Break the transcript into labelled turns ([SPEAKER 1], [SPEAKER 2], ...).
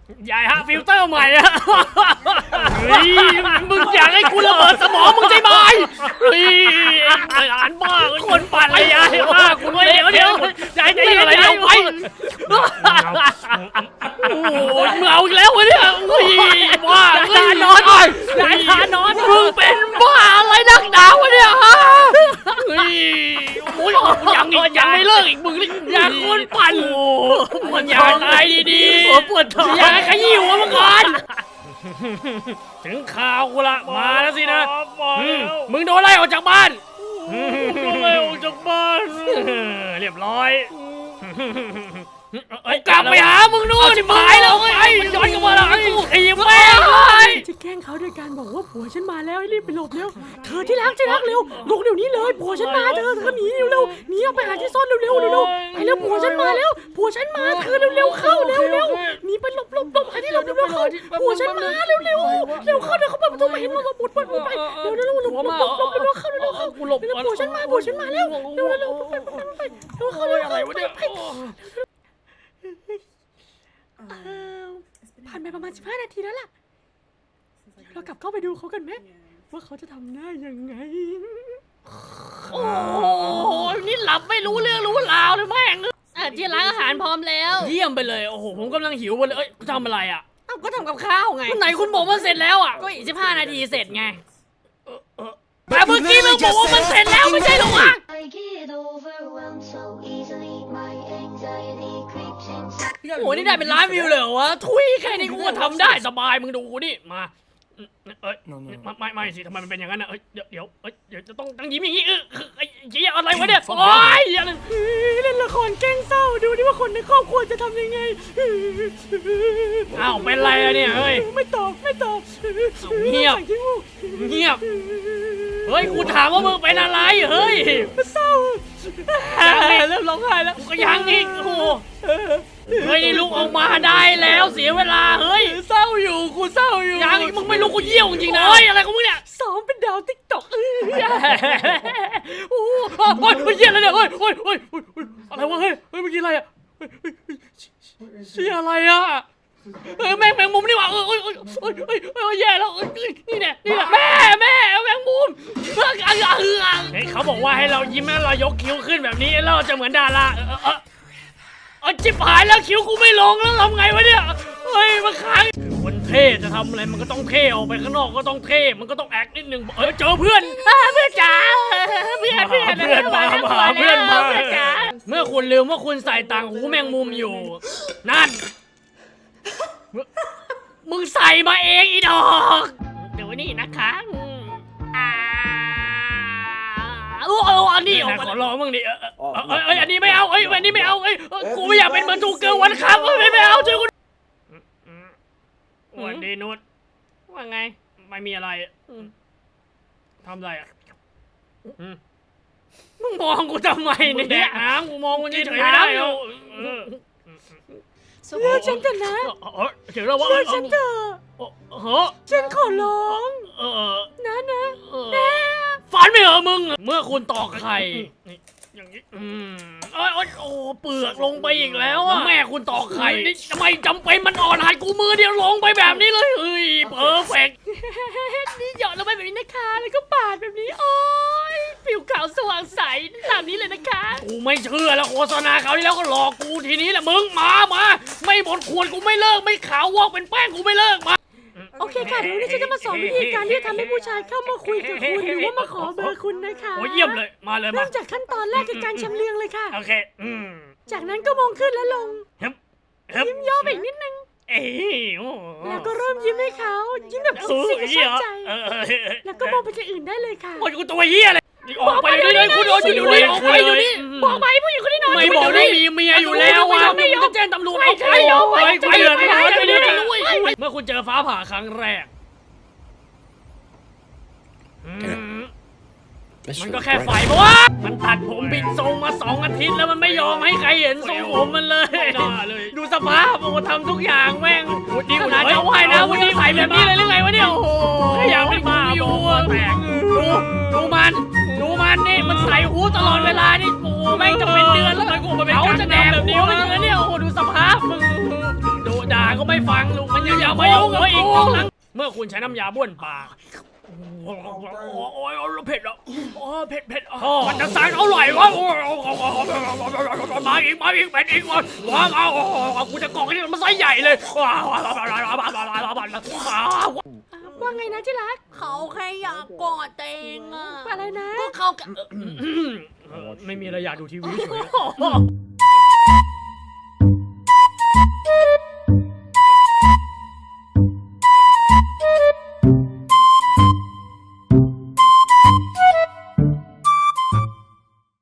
[SPEAKER 1] ใหญ่ฮะฟิลเตอร์ใหม่อะเฮ้ยมึงอยากให้กูระเบิดสมองมึงใช่ไหมเฮ้ยหลานบ้าคนปั่นเลยยายบ้าคุณเดี๋ยวใจเย็นอะไรเอาไปโอ้ยมึงเอาอีกแล้ววะเนี่ยเฮ้ยบ้าทานอนยายทานอนมึงเป็นบ้าอะไรนักหนาวะเนี่ยฮะเฮ้ยโอ้ยยังไม่เลิกอีกมึงนี่อย่าคนปั่นมันอยากตายดีๆปวดท้องอยากขยี้หัวมึงก่อนถึงข่าวกูละมาแล้วสินะมึงโดนไล่ออกจากบ้านโดนไล่ออกจากบ้านเรียบร้อยกลับไปหามึงนู่นชิบหายแล้วไอ้ย้อนกลับมาแล้วกูขี่แม่งเลยจะแกล้งเขาด้วยการบอกว่าผัวฉันมาแล้วให้รีบไปหลบเร็วเธอที่รักเร็วลุกเดี๋ยวนี้เลยผัวฉันมาเธอหนีเร็วหนีออกไปหาที่ซ่อนเร็วไปแล้วผัวฉันมาแล้วผัวฉันมาเธอเร็วเข้าเร็วหนีไปหลบหาที่หลบเข้าผัวฉันมาเร็วเข้าเดี๋ยวเขาเปิดประตูมาเห็นว่าบุดไปเร็วหลบเข้ากูหลบผัวฉันมาเร็วไปเข้าอะไรวะเนี่ยผ่านไปประมาณ15 นาทีแล้วล่ะเรากลับเข้าไปดูเขากันไหมว่าเขาจะทำได้ยังไงโอ้ยนี่หลับไม่รู้เรื่องรู้ราวเลยแม่งที่ร้านอาหารพร้อมแล้วเยี่ยมไปเลยโอ้โหผมกำลังหิวเลยทำอะไรอ่ะก็ทำกับข้าวไงไหนคุณบอกว่าเสร็จแล้วอ่ะก็อีก15 นาทีเสร็จไงแต่เมื่อกี้มึงบอกว่ามันเสร็จแล้วไม่ใช่หรอวะโอ้นี่ได้เป็นล้านวิวเลยเหรอวะทุยแค่นี้กูก็ทำได้สบายมึงดูกูนี่มาไม่สิทำไมมันเป็นอย่างนั้นนะเดี๋ยวจะต้องยิ้มอย่างนี้ไอ้เหี้ยอะไรวะเนี่ยโอ๊ยเล่นละครแกล้งเศร้าดูดิว่าคนในครอบครัวจะทำยังไงอ้าวเป็นไรอะเนี่ยเฮ้ยไม่ตอบเงียบเฮ้ยกูถามว่ามึงเป็นอะไรเฮ้ยเศร้าเริ่มร้องไห้แล้วก็ยังอีกโอ้เฮ้ยลุกออกมาได้แล้วเสียเวลาเฮ้ยเศร้าอยู่กูเศร้าอยู่ยังมึงไม่รู้กูเยี่ยวจริงๆนะเฮ้ยอะไรของมึงเนี่ยซ้อมเป็นดาวติ๊กต็อกโอ้ยเยี่ยอะไรเนี่ยเฮ้ยอะไรวะเฮ้ยเมื่อกี้อะไรอะเชี่ยอะไรอะแมงมุมนี่หว่าแย่แล้วนี่แหละแม่แมงมุมเขาบอกว่าให้เรายิ้มแล้วเรายกคิ้วขึ้นแบบนี้แล้วเราจะเหมือนดาราจิบหายแล้วคิ้วกูไม่ลงแล้วทำไงวะเนี่ยเฮ้ยมาค้างคนเท่จะทำอะไรมันก็ต้องเท่ออกไปข้างนอกก็ต้องเท่มันก็ต้องแอคนิดนึงเจอเพื่อนจ๋าเพื่อนมาเมื่อคุณลืมว่าคุณใส่ต่างหูแมงมุมอยู่นั่นมึงใส่มาเองอีดอกเดี๋ยวนี่นะคะอันนี้ขอลองมึงดิอันนี้ไม่เอาอันนี้ไม่เอากูไม่อยากเป็นเหมือนทูเกิร์ลวันครับไม่เอาช่วยกูวันดีนุชว่าไงไม่มีอะไรทำอะไรอ่ะมึงมองกูทำไมเนี่ยกูมองมึงเฉยๆไม่ได้เลือกฉันกันนะเชื่อฉันเถอะฉันขอร้องนะฝันไม่เหรอมึงเมื่อคุณตอกไข่อย่างนี้โอ้เปลือกลงไปอีกแล้วอะแม่คุณตอกไข่ทำไมจำเป็นมันอ่อนหัดกูมือเดียวลงไปแบบนี้เลยเพอร์เฟกต์นี่หยอดลงไปแบบนี้นะคะแล้วก็ปาดแบบนี้โอ้ยผิวขาวสว่างใสตามนี้เลยนะคะกูไม่เชื่อแล้วโฆษณาเขาที่แล้วก็หลอกกูทีนี้แหละมึงมาไม่หมดขวดกูไม่เลิกไม่ขาววอกเป็นแป้งกูไม่เลิกมาโอเคค่ะเดี๋ยวนี้ฉันจะมาสอนวิธีการที่จะทำให้ผู้ชายเข้ามาคุยกับคุณหรือว่ามาขอเบอร์คุณนะคะโอ้เยี่ยมเลยมาเลยเริ่มจากขั้นตอนแรกคือการชำเลืองเลยค่ะโอเคจากนั้นก็มองขึ้นและลงยิ้มย่อไปอีกนิดนึงแล้วก็เริ่มยิ้มให้เขายิ้มแบบสุดๆชอบใจแล้วก็มองไปที่อื่นได้เลยค่ะโอ้ยกูตัวเหี้ยเลยออกไปเลยคุณโดนอยู่นี่ออกไปอยู่นี่บอกไปผู้หญิงคนนี้นอนไม่บอกได้มีเมียอยู่แล้วว่ะไม่ยอมแจ้งตำรวจไม่ยอมไปเดือดร้อนไปเลยเมื่อคุณเจอฟ้าผ่าครั้งแรกมันก็แค่ไฟเพราะว่ามันตัดผมบิดทรงมา2 อาทิตย์แล้วมันไม่ยอมให้ใครเห็นทรงผมมันเลยดูสภาพมันทำทุกอย่างแม่งวันนี้นะจะไหวนะวันนี้ใส่แบบนี้เลยหรือไงวะเนี่ยโอ้โหอยากไม่มาอยู่แตกดูมันนี่มันใส่หูตลอดเวลานี่โอ้แม่งจะเป็นเดือนแล้วมันกูมาเป็นเขาจะแดกแบบนี้วะเนี่ยโอ้ดูสภาพมึงโดด่าก็ไม่ฟังลูกมันยังอย่ามายุ่งกับอีกครั้งเมื่อคุณใช้น้ำยาบ้วนปากโอ้ยเผ็ดอ่ะเผ็ดมันจะสารอร่อยวะมาอีกเผ็ดอีกว้าวกูจะกรอกให้มันไส้ใหญ่เลยว่าไงนะที่รัก
[SPEAKER 2] เขาแค่อยากกอดเองอะ
[SPEAKER 1] อะไรนะ
[SPEAKER 2] ก็เขา
[SPEAKER 1] ไม่มีอะไรอยากดูทีวีเฉย